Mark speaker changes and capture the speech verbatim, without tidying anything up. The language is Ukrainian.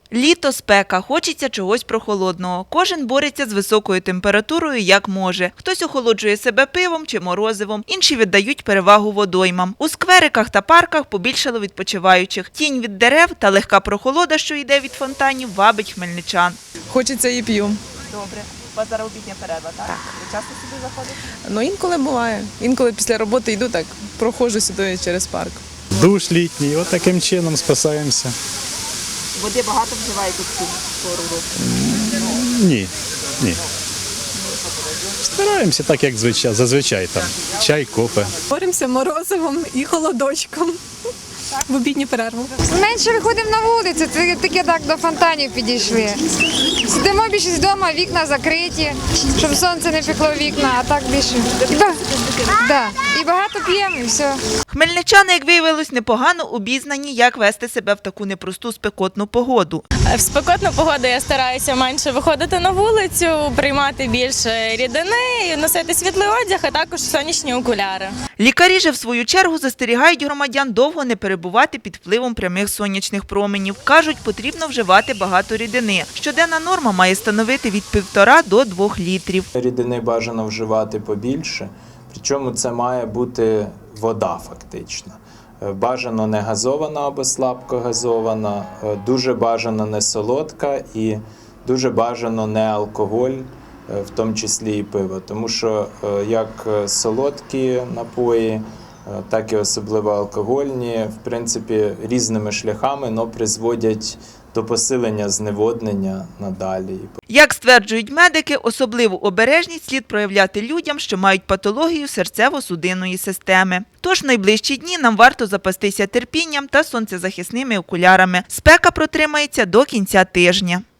Speaker 1: Літо, спека, хочеться чогось прохолодного. Кожен бореться з високою температурою як може. Хтось охолоджує себе пивом чи морозивом, інші віддають перевагу водоймам. У сквериках та парках побільшало відпочиваючих. Тінь від дерев та легка прохолода, що йде від фонтанів, вабить хмельничан.
Speaker 2: Хочеться і п'ю.
Speaker 1: Добре. У вас зараз обідня перерва, так? Так. Ви часто сюди заходите?
Speaker 2: Ну, інколи буває. Інколи після роботи йду так, проходжу сюди через парк.
Speaker 3: Душ літній, от таким чином спасаємося.
Speaker 1: Води багато вживаєте в цю пору року?
Speaker 3: Ні, ні. Стараємося так, як звичай, зазвичай там. Чай, кофе.
Speaker 4: Боремося морозивом і холодочком в обідню перерву.
Speaker 5: Менше виходимо на вулицю, це таке так до фонтанів підійшли. Сидимо більше вдома, вікна закриті, щоб сонце не пекло в вікна, а так більше. І, ба... да. і багато п'ємо, і все.
Speaker 1: Хмельничани, як виявилось, непогано обізнані, як вести себе в таку непросту спекотну погоду.
Speaker 6: В спекотну погоду я стараюся менше виходити на вулицю, приймати більше рідини, носити світлий одяг, а також сонячні окуляри.
Speaker 1: Лікарі же, в свою чергу, застерігають громадян довго не перебувати під впливом прямих сонячних променів. Кажуть, потрібно вживати багато рідини. Щоденна норма має становити від півтора до двох літрів.
Speaker 7: Рідини бажано вживати побільше, причому це має бути вода фактично. Бажано не газована або слабко газована, дуже бажано не солодка і дуже бажано не алкоголь, в тому числі і пиво. Тому що як солодкі напої, так і особливо алкогольні, в принципі, різними шляхами, но призводять до посилення зневоднення надалі.
Speaker 1: Як стверджують медики, особливу обережність слід проявляти людям, що мають патологію серцево-судинної системи. Тож в найближчі дні нам варто запастися терпінням та сонцезахисними окулярами. Спека протримається до кінця тижня.